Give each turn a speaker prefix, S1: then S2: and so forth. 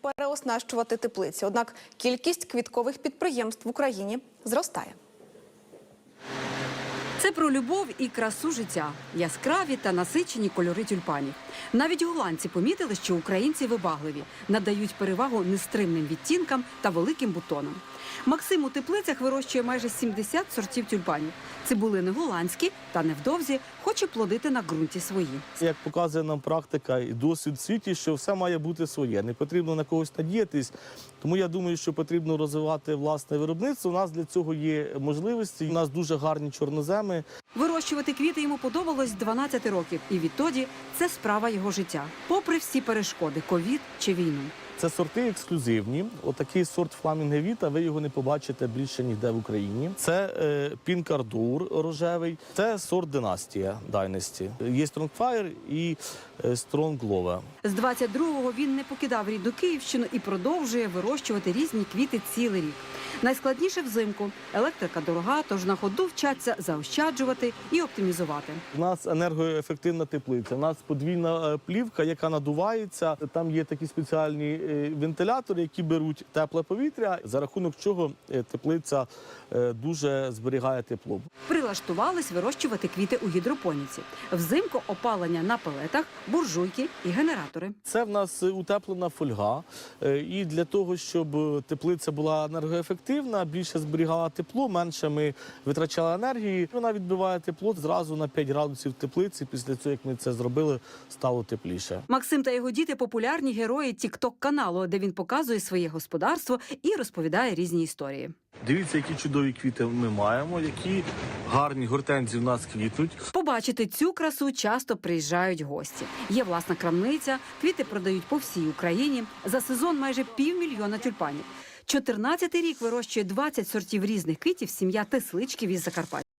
S1: переоснащувати теплиці. Однак кількість квіткових підприємств в Україні зростає.
S2: Це про любов і красу життя, яскраві та насичені кольори тюльпанів. Навіть голландці помітили, що українці вибагливі, надають перевагу нестримним відтінкам та великим бутонам. Максим у теплицях вирощує майже 70 сортів тюльпанів. Цибулини голландські та невдовзі хоче плодити на ґрунті свої.
S3: Як показує нам практика і досвід в світі, що все має бути своє. Не потрібно на когось надіятись. Тому я думаю, що потрібно розвивати власне виробництво. У нас для цього є можливості. У нас дуже гарні чорноземи.
S2: Вирощувати квіти йому подобалось з 12 років. І відтоді це справа його життя. Попри всі перешкоди – ковід чи війну.
S3: Це сорти ексклюзивні. Отакий сорт Фламінго Віта, ви його не побачите більше ніде в Україні. Це Pink Ardor рожевий, це сорт Династія, Dynasty. Є Strong Fire і Strong Love.
S2: З 22-го він не покидав рідну Київщину і продовжує вирощувати різні квіти цілий рік. Найскладніше взимку. Електрика дорога, тож на ходу вчаться заощаджувати і оптимізувати.
S3: У нас енергоефективна теплиця, у нас подвійна плівка, яка надувається. Там є такі спеціальні вентилятори, які беруть тепле повітря, за рахунок чого теплиця дуже зберігає тепло.
S2: Прилаштувались вирощувати квіти у гідропоніці. Взимку опалення на пелетах, буржуйки і генератори.
S3: Це в нас утеплена фольга. І для того, щоб теплиця була енергоефективна, більше зберігала тепло, менше ми витрачали енергії. Вона відбиває тепло зразу на 5 градусів в теплиці. Після цього, як ми це зробили, стало тепліше.
S2: Максим та його діти – популярні герої тік-ток-каналу, де він показує своє господарство і розповідає різні історії.
S3: Дивіться, які чудові квіти ми маємо, які гарні гортензії в нас квітнуть.
S2: Побачити цю красу часто приїжджають гості. Є власна крамниця, квіти продають по всій Україні. За сезон майже 500 000 тюльпанів. 14-й рік вирощує 20 сортів різних квітів сім'я Тесличків із Закарпаття.